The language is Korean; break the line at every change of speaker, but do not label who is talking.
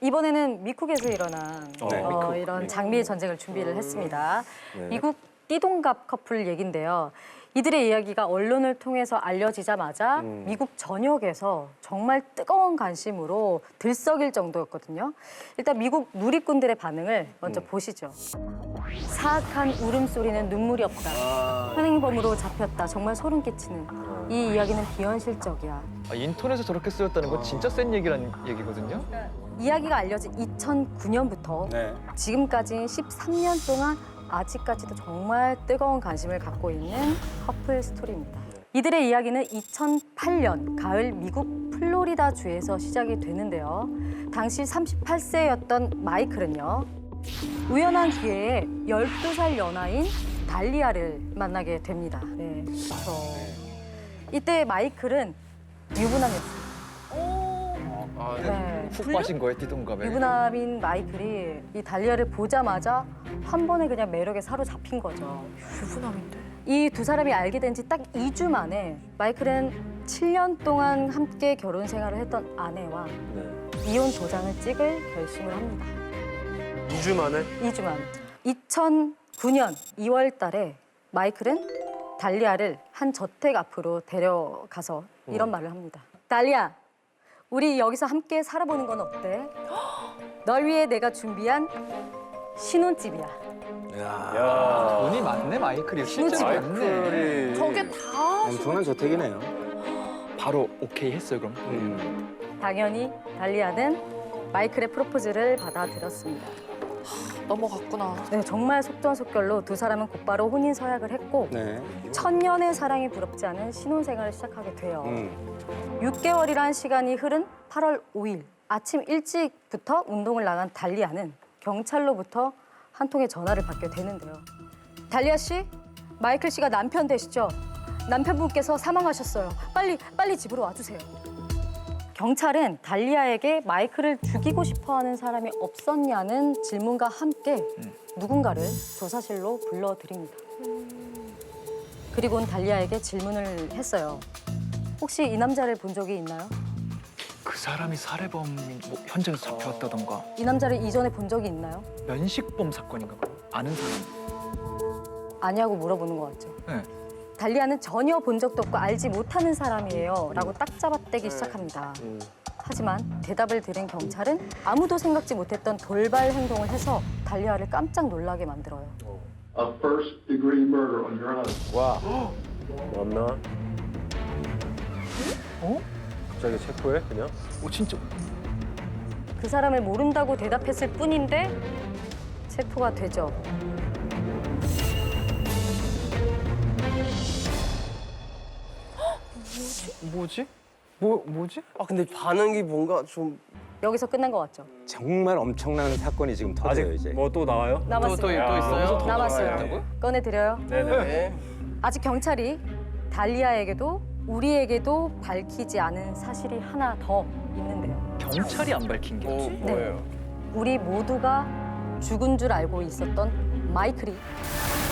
이번에는 미국에서 일어난
미국.
이런 장미의 전쟁을 준비를 했습니다.
네.
미국 띠동갑 커플 얘긴데요. 이들의 이야기가 언론을 통해서 알려지자마자 미국 전역에서 정말 뜨거운 관심으로 들썩일 정도였거든요. 일단 미국 누리꾼들의 반응을 먼저 보시죠. 사악한 울음소리는 눈물이 없다. 현행범으로 잡혔다. 정말 소름 끼치는. 이 이야기는 비현실적이야.
인터넷에 저렇게 쓰였다는 건 진짜 센 얘기란 얘기거든요.
이야기가 알려진 2009년부터
네.
지금까지 13년 동안 아직까지도 정말 뜨거운 관심을 갖고 있는 커플 스토리입니다. 이들의 이야기는 2008년 가을 미국 플로리다 주에서 시작이 되는데요. 당시 38세였던 마이클은요. 우연한 기회에 12살 연하인 달리아를 만나게 됩니다. 네, 그렇죠. 이때 마이클은 유부남이었어요. 네.
훅 빠진 거예요, 띠동갑에.
유부남인 마이클이 이 달리아를 보자마자 한 번에 그냥 매력에 사로잡힌 거죠.
유부남인데.
이 두 사람이 알게 된 지 딱 2주 만에 마이클은 7년 동안 함께 결혼 생활을 했던 아내와
네.
이혼 도장을 찍을 결심을 합니다.
2주 만에?
2주 만. 2009년 2월 달에 마이클은 달리아를 한 저택 앞으로 데려가서 이런 말을 합니다. 달리아, 우리 여기서 함께 살아보는 건 어때? 널 위해 내가 준비한 신혼집이야.
야.
돈이 많네, 마이클이. 실제로 많네.
마이클이
저게 다
엄청난 저택이네요.
바로 오케이 했어요, 그럼.
당연히 달리아는 마이클의 프로포즈를 받아들였습니다.
넘어갔구나.
네, 정말 속전속결로 두 사람은 곧바로 혼인 서약을 했고
네.
천년의 사랑이 부럽지 않은 신혼생활을 시작하게 돼요. 6개월이란 시간이 흐른 8월 5일 아침 일찍부터 운동을 나간 달리아는 경찰로부터 한 통의 전화를 받게 되는데요. 달리아 씨, 마이클 씨가 남편 되시죠? 남편분께서 사망하셨어요. 빨리 집으로 와주세요. 경찰은 달리아에게 마이클을 죽이고 싶어하는 사람이 없었냐는 질문과 함께 누군가를 조사실로 불러들입니다. 그리고는 달리아에게 질문을 했어요. 혹시 이 남자를 본 적이 있나요?
그 사람이 살해범 현장에서 잡혀왔다던가
이 남자를 이전에 본 적이 있나요?
면식범 사건인가 봐. 아는 사람.
아냐고 물어보는 것 같죠.
네.
달리아는 전혀 본 적도 없고 알지 못하는 사람이에요 라고 딱 잡아떼기 시작합니다. 하지만 대답을 들은 경찰은 아무도 생각지 못했던 돌발 행동을 해서 달리아를 깜짝 놀라게 만들어요.
A first-degree murder on your husband.
와. 맞나?
어?
갑자기 체포해 그냥?
진짜.
그 사람을 모른다고 대답했을 뿐인데 체포가 되죠.
뭐지? 뭐지?
아 근데 반응이 뭔가 좀
여기서 끝난 것 같죠?
정말 엄청난 사건이 지금 터져요
아직
이제.
뭐 또 나와요?
남았습니다.
또 있어요?
남았어요. 꺼내드려요.
네.
아직 경찰이 달리아에게도 우리에게도 밝히지 않은 사실이 하나 더 있는데요.
경찰이 안 밝힌 게.
네. 우리 모두가 죽은 줄 알고 있었던 마이클이